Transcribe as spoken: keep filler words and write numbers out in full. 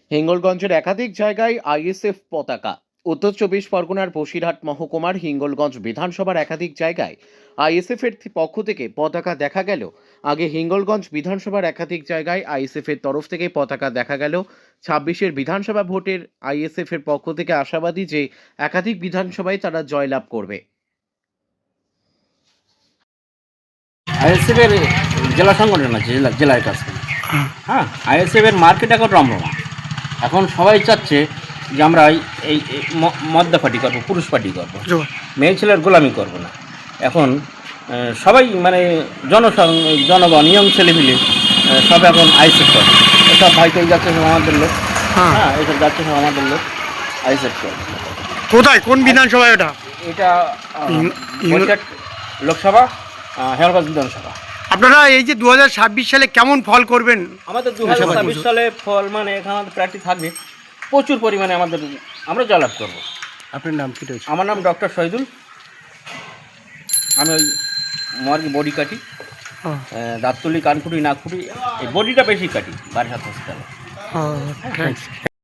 হিঙ্গলগঞ্জের একাধিক জায়গায় আইএসএফ পতাকা। উত্তর চব্বিশ পরগনার বসিরহাট মহকুমার হিঙ্গলগঞ্জ বিধানসভার একাধিক জায়গায় আইএসএফ এর থি- পক্ষ থেকে পতাকা দেখা গেল। আগে হিঙ্গলগঞ্জ বিধানসভার একাধিক জায়গায় আইএসএফ এর তরফ থেকে পতাকা দেখা গেল। ছাব্বিশের বিধানসভা ভোটের আইএসএফ এর পক্ষ থেকে আশাবাদী যে একাধিক বিধানসভায় তারা জয়লাভ করবে। আইএসএফ এর জেলা সংগঠন আছে, জেলা জেলার কাছে। হ্যাঁ, আইএসএফ এর মার্কেট এখন রমরমা। এখন সবাই চাচ্ছে যে আমরা এই এই এই ম- মদ্দা পার্টি করবো, পুরুষ পার্টি করবো, মেয়ে ছেলের গোলামি করবো না। এখন আহ, সবাই মানে জনসং জনগণ ইয়ং ছেলে মিলে আহ, সব এখন আইএসএফ করে। এসব ভাইকে যাচ্ছে সব আমাদের লোক। হ্যাঁ, এসব যাচ্ছে সব আমাদের লোক, আইএসএফ করে। কোথায়, কোন বিধানসভায় ওটা? এটা আহ, ইং- ইং- বসিরহাট লোকসভা, আহ, হেমলগঞ্জ বিধানসভা। আপনারা এই যে দু হাজার ছাব্বিশ সালে কেমন ফল করবেন? আমাদের দু হাজার ছাব্বিশ সালে ফল মানে এখানে আমাদের প্রার্থী থাকবে প্রচুর পরিমাণে, আমাদের আমরা জয়লাভ করবো। আপনার নাম কি রয়েছে? আমার নাম ডক্টর শহীদুল। আমি ওই মর্গে বডি কাটি, দাঁত তুলি, কান খুঁটি, নাক খুঁটি, এই বডিটা বেশি কাটি বারাসাত হসপিটালে। থ্যাংকস।